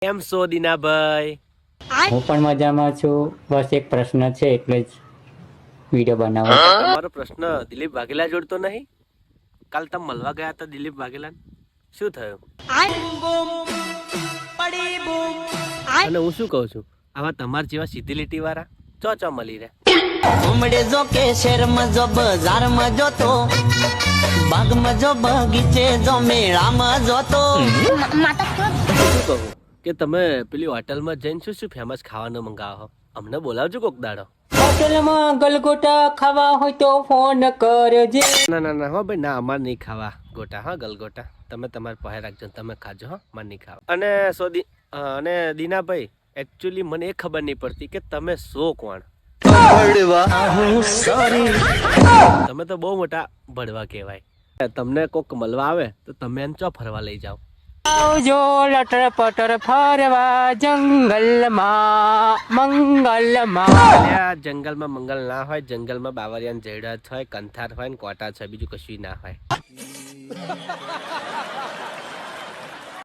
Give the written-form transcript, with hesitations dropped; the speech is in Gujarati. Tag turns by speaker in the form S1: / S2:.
S1: કેમ છો દીનાભાઈ?
S2: હું પણ મજામાં છું. બસ એક પ્રશ્ન છે એટલે જ વિડીયો બનાવો.
S1: તમારો પ્રશ્ન દિલીપ વાઘેલા જોડતો નહીં? કાલ તમે મળવા ગયા હતા દિલીપ વાઘેલા, શું થયું? અને હું શું કહું છું, આવા તમાર જેવા સીધી લીટી વાળા ચો મળી રહે.
S3: ઉમડે જો કે શહેરમાં જો બજારમાં જો તો બાગમાં જો બગીચે જો મેળામાં જો તો
S1: શું કહું કે તમે પેલી હોટલમાં જઈને શું ફેમસ ખાવાનું મંગાવો? અમને બોલાવજો કોક દાડો.
S2: હોટલમાં ગલગોટા ખાવા હોય તો ફોન કરજે.
S1: ના હો ભાઈ, ના અમારે નહીં ખાવા ગોટા, હા ગલગોટા તમે તમારા પાસે રાખજો, તમે ખાજો, હા મારે નહીં ખાવા. અને દીનાભાઈ, એકચ્યુઅલી મને એ ખબર નહીં પડતી કે તમે શો કોણ? તમે તો બહુ મોટા ભડવા કહેવાય. તમને કોક મળવા આવે તો તમે એને ચો ફરવા લઈ જાઓ?
S2: આવજો લટર પટર ફરવા જંગલમાં મંગલમાં.
S1: અલ્યા, જંગલમાં મંગલ ના હોય, જંગલમાં બાવરિયાન જયડા હોય, કંથાર હોય ને કોટા છે, બીજું કશું ના હોય.